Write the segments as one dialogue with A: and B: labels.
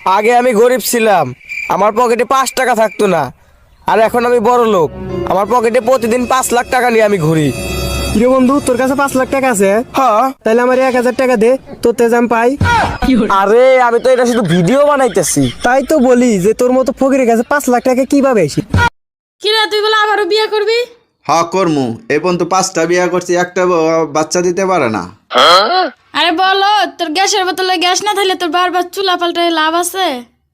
A: আগে আমি গরিব ছিলাম, আমার পকেটে 5 টাকা থাকতো না। আর এখন আমি বড় লোক, আমার পকেটে প্রতিদিন 5 লাখ টাকা নিয়ে আমি ঘুরি।
B: রে বন্ধু, তোর কাছে 5 লাখ টাকা আছে?
A: হ্যাঁ।
B: তাহলে আমার 1000 টাকা দে, তোর তেজ আমি পাই।
A: আরে আমি তো এটা শুধু ভিডিও বানাইতেছি।
B: তাই তো বলি যে তোর মতো ফকিরের কাছে 5 লাখ টাকা কিভাবে আসি?
C: কিরা তুই বলে আবারও বিয়ে করবি?
D: হ্যাঁ করমু। এই পর্যন্ত 5টা বিয়া করছি, একটা বাচ্চা দিতে পারে না।
C: আরে বলো, তোর গ্যাসের বোতলে গ্যাস না থাকলে তোর বারবার চুলা পাল্টায় লাভ আছে?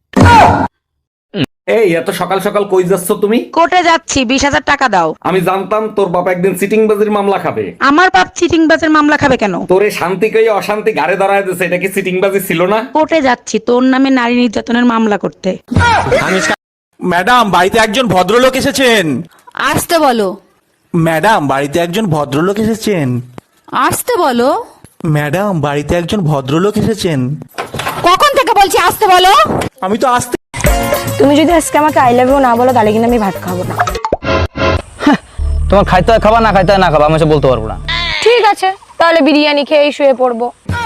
E: এই এত সকাল সকাল কই যাচ্ছ তুমি?
F: কোর্টে যাচ্ছি, 20,000 টাকা দাও।
E: আমি জানতাম তোর বাবা একদিন সিটিংবাজির মামলা খাবে।
F: আমার বাপ চিটিংবাজের মামলা খাবে কেন?
E: তোরে শান্তি কই অশান্তি গাড়ে দাঁড়ায় দিছে, এটা কি সিটিংবাজি ছিল না?
F: কোর্টে যাচ্ছি তোর নামে নারী নির্যাতনের মামলা করতে।
G: ম্যাডাম, বাড়িতে একজন ভদ্রলোক এসেছেন।
C: আসতে বলো।
G: ম্যাডাম, বাড়িতে একজন ভদ্রলোক এসেছেন।
C: আসতে বলো।
G: ম্যাডাম, বাড়িতে একজন ভদ্রলোক এসেছেন।
C: কখন থেকে বলছি আসতে বলো?
G: আমি তো আসতে।
H: তুমি যদি আজকে আমাকে আই লাভ ইউ না বলো তাহলে কিন্তু আমি ভাত খাবো না।
A: তোমার খাইতে হয় খাবা, না খাইতে হয় না খাবা, আমি সে বলতে পারবো না।
H: ঠিক আছে, তাহলে বিরিয়ানি খেয়ে শুয়ে পড়বো।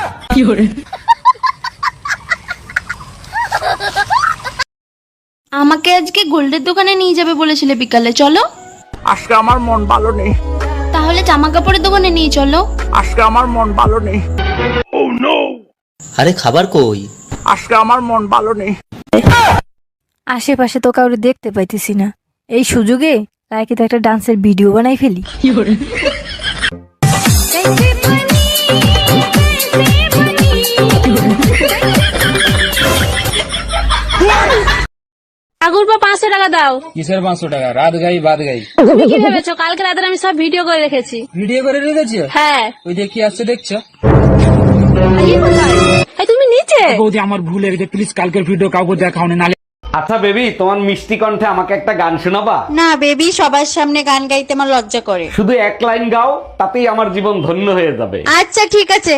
C: আমাকে আজকে গোল্ডের দোকানে নিয়ে যাবে বলেছিলে বিকালে, চলো।
G: আজকে আমার মন ভালো নেই।
C: তাহলে জামা কাপড়ের দোকানে নিয়ে চলো।
G: আজকে আমার মন ভালো নেই।
I: আরে খাবার কই?
G: আজকে আমার মন ভালো নেই।
H: আশেপাশে তো কাউকে দেখতে পাইতেছি না, এই সুযোগে লাইকে তো একটা ডান্সের ভিডিও বানাই ফেলি।
C: আগুর পা 500 টাকা দাও।
A: কিসের 500 টাকা? রাত গাই বাদ গাই।
C: তুমি কি ভেবেছো কালকে রাতে আমি সব ভিডিও করে রেখেছি?
A: ভিডিও করে রেখেছো?
C: হ্যাঁ।
A: ওই যে কি আসছে দেখছো?
C: এই কোথায়? এই তুমি নিচে।
A: বৌদি আমার ভুল হয়ে গেছে, প্লিজ কালকের ভিডিও কাউকে দেখাও না।
E: আচ্ছা বেবি, তোমার মিষ্টি কণ্ঠে আমাকে একটা গান শোনাবা?
J: না বেবি, সবার সামনে গান গাইতে আমার লজ্জা করে।
E: শুধু এক লাইন গাও, তাতেই আমার জীবন ধন্য হয়ে যাবে।
J: আচ্ছা ঠিক আছে।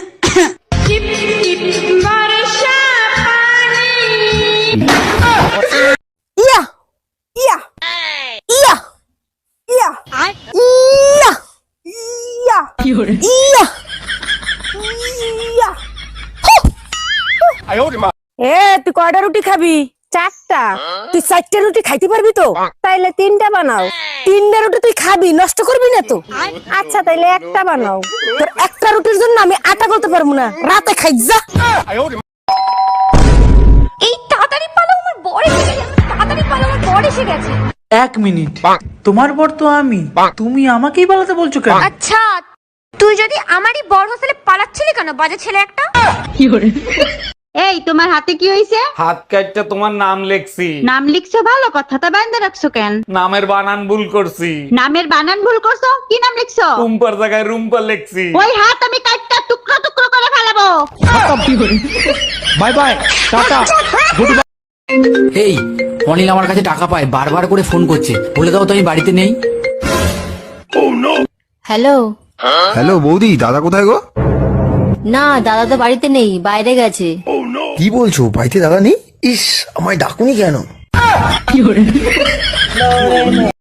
H: ইয়া ইয়া ইয়া ইয়া ইয়া ইয়া ইয়া ইয়া। এ তুই কয়টা রুটি খাবি? 4টা। তুই 4টা রুটি খাইতে পারবি তো? তাইলে 3টা বানাও। 3টা রুটি তুই খাবি, নষ্ট করবি না তো? আচ্ছা তাইলে একটা বানাও। তোর একটা রুটির জন্য আমি আটা করতে পারবো না, রাতে খাই যা।
C: এই তাড়াতাড়ি পালো, আমার বর এসে গেছে। তাড়াতাড়ি পালো, আমার বর এসে গেছে।
K: 1 মিনিট, তোমার বর তো আমি, তুমি আমাকেই পালাতে বলছো কেন?
C: আচ্ছা তুই যদি আমারই বর হোস্টেলে পালাচ্ছিলি কেন, বাজে ছেলে একটা?
F: এই তোমার হাতে কি হয়েছে?
E: হাত কাটটা তোমার নাম লেখছি।
F: নাম লিখছো ভালো কথা, তা বান্ধে রাখছো কেন?
E: নামের বানান ভুল করছি।
F: নামের বানান ভুল করছো? কি নাম লিখছো?
E: রুম্পার জায়গায় রুম্পা লেখছি।
F: ওই হাত আমি কাটটা টুকরো টুকরো করে ফেলাবো।
G: Bye bye, tata, good bye.
I: এই অনিল আমার কাছে টাকা পায়, বারবার করে ফোন করছে, বলে দাও তো আমি বাড়িতে নেই।
H: হ্যালো।
D: হ্যালো বৌদি, দাদা কোথায় গো?
H: না, দাদা তো বাড়িতে নেই, বাইরে গেছে।
A: কি বলছো? বাড়িতে দাদা নেই? ইস, আমায় ডাকুনি কেন?